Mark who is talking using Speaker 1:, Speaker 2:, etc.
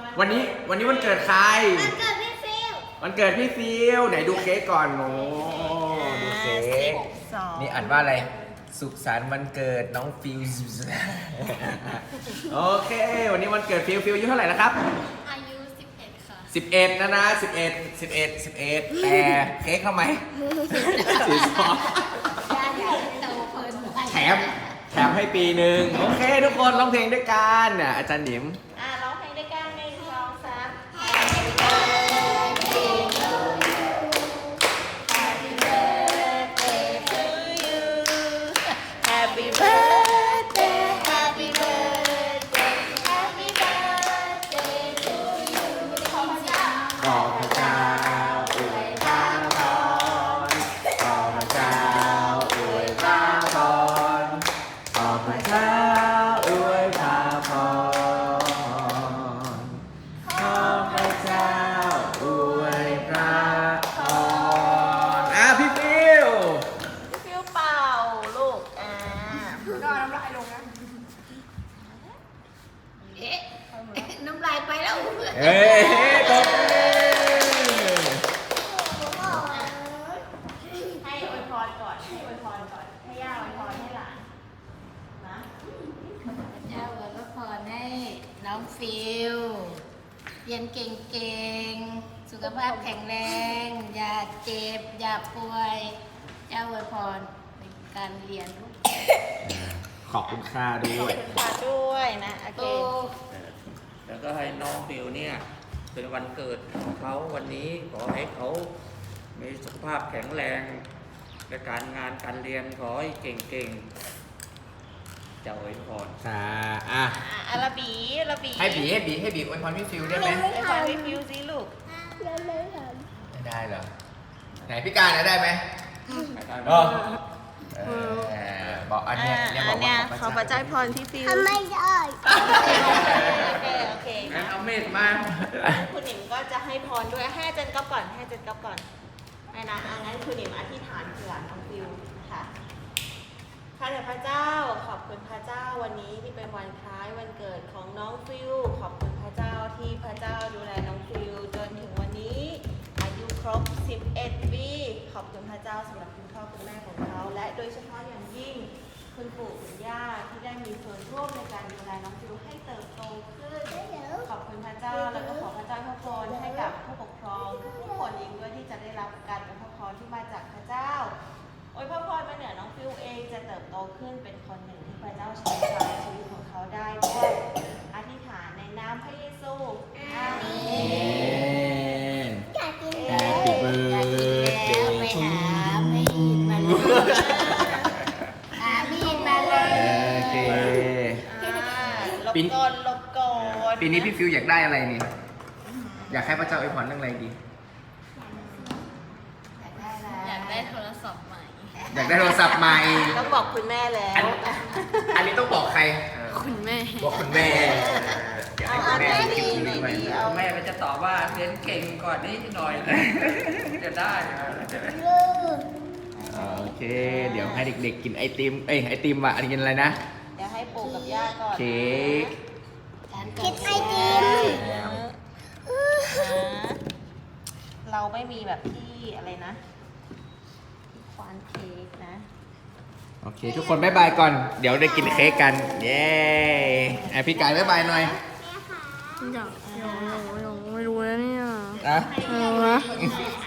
Speaker 1: วันนี้วันเกิดใคร
Speaker 2: วันเกิดพี่ฟิว
Speaker 1: วันเกิดพี่ฟิวไหนดูเค้กก่อนโอ้ดูเค้กนี่อ่านว่าอะไรสุขสันต์วันเกิดน้องฟิวโอเควันนี้วันเกิดฟิวอายุเท่าไหร่แล้วครับ
Speaker 2: อายุ11ค่ะ
Speaker 1: 11นะ11แต่เค้กทำไมแถมให้ปีหนึ่งโอเคทุกคนร้องเพลงด้วยกันอาจารย์หนิม
Speaker 2: ร้องเพลงด้วยกัน1 2 3 Happy birthday Happy birthday Happy birthday to you ขอพระเจ้า
Speaker 1: อวยพรขอพระเจ้าอวยพรขอพระเจ้าอวยพรขอพระเจ้าอวยพรพี่ฟิว
Speaker 2: เป่าลูก
Speaker 3: ก็น้ำลายลงนะ
Speaker 2: น้ำลายไปแล้ว
Speaker 1: เฮ้ยตบมือ
Speaker 2: ให้อวยพรก่อนให้ย่าอวยพรให้หลานนะย่าอวยพรให้น้องฟิวเรียนเก่งๆสุขภาพแข็งแรงอย่าเจ็บอย่าป่วยย่าอวยพรในการเรียนลูก
Speaker 1: ขอบคุณค่าด้วย
Speaker 2: ขอบคุณด้วยนะโอเค
Speaker 4: แล้วก็ให้น้องฟิวเนี่ยเป็นวันเกิดของเขาวันนี้ขอให้เขามีสุขภาพแข็งแรงในการงานการเรียนขอให้เก่งๆจะอวยพร
Speaker 1: ค่ะ
Speaker 2: ระบี
Speaker 1: ให้บีอวยพรพี่ฟิวได้ไหม
Speaker 2: อวยพรพี่ฟิวสิลูก
Speaker 1: ไม่ได้เหรอไหนพี่การได้ไหมบอกอันเนี้ยบอกว่า
Speaker 2: ขอพระเจ้าพรพี่ฟิว
Speaker 3: ทำไม่ได้
Speaker 2: โอเค
Speaker 4: งั้นเอาเมฆมา
Speaker 2: คุณหนิมก็จะให้พรด้วยให้อาจารย์ก๊อฟก่อนให้นะงั้นคุณหนิมอธิษฐานเผื่อน้องฟิวค่ะข้าแต่พระเจ้าขอบคุณพระเจ้าวันนี้ที่เป็นวันคล้ายวันเกิดของน้องฟิวขอบคุณพระเจ้าที่พระเจ้าดูแลน้องฟิวจนถึงวันนี้อายุครบ11 ปีขอบคุณพระเจ้าสำหรับคุณพ่อคุณแม่ของเขาและโดยเฉพาะอย่างยิ่งคุณปู่คุณย่าที่ได้มีส่วนร่วมในการดูแลน้องฟิวให้เติบโตขึ้นขอบคุณพระเจ้าแล้วก็ขอพระเจ้าพระพรให้กับผู้ปกครองทุกคนเองด้วยที่จะได้รับการอวยพรที่มาจากพระเจ้าอวยพรมาเหนือน้องฟิวเองจะเติบโตขึ้นเป็นคนหนึ่งที่พระเจ้าใช้ในชีวิตของเขาได้ด้วยอธิษฐานในนามพระเยซูอาเมน
Speaker 1: Happy birthday to you โอเค
Speaker 2: ลบก่อน
Speaker 1: ปีนี้พี่ฟิวอยากได้อะไรเนี่ยอยากให้พระเจ้าอวยพรเรื่องอะไรดี
Speaker 2: อยากได้โทรศัพท์ใหม่
Speaker 1: ต้อง
Speaker 2: บอกคุณแม่แล้ว
Speaker 1: อันนี้ต้องบอกใคร
Speaker 2: คุณแม่
Speaker 1: บอกคุณแม่อยากให้คุณแม่
Speaker 2: ดี
Speaker 4: แม่ก็จะตอบว่าเรียนเก่งก่อนนิดหน่อยจะได้
Speaker 1: โอเคเดี๋ยวให้เด็กๆกินไอติมไอติมอ่ะอันนี้กินอะไรนะ
Speaker 2: เดี๋ยวให้ปู่กับย่าก่อน
Speaker 1: เค้ก
Speaker 3: กินไอติม
Speaker 2: เราไม่มีแบบที่อะไรนะควานเค้กนะ
Speaker 1: โอเคทุกคนบ๊ายบายก่อนเดี๋ยวได้กินเค้กกันเย้พี่กายบ๊ายบายหน่อย
Speaker 3: อยากไม่รู้แล้วเนี่ย
Speaker 1: นะ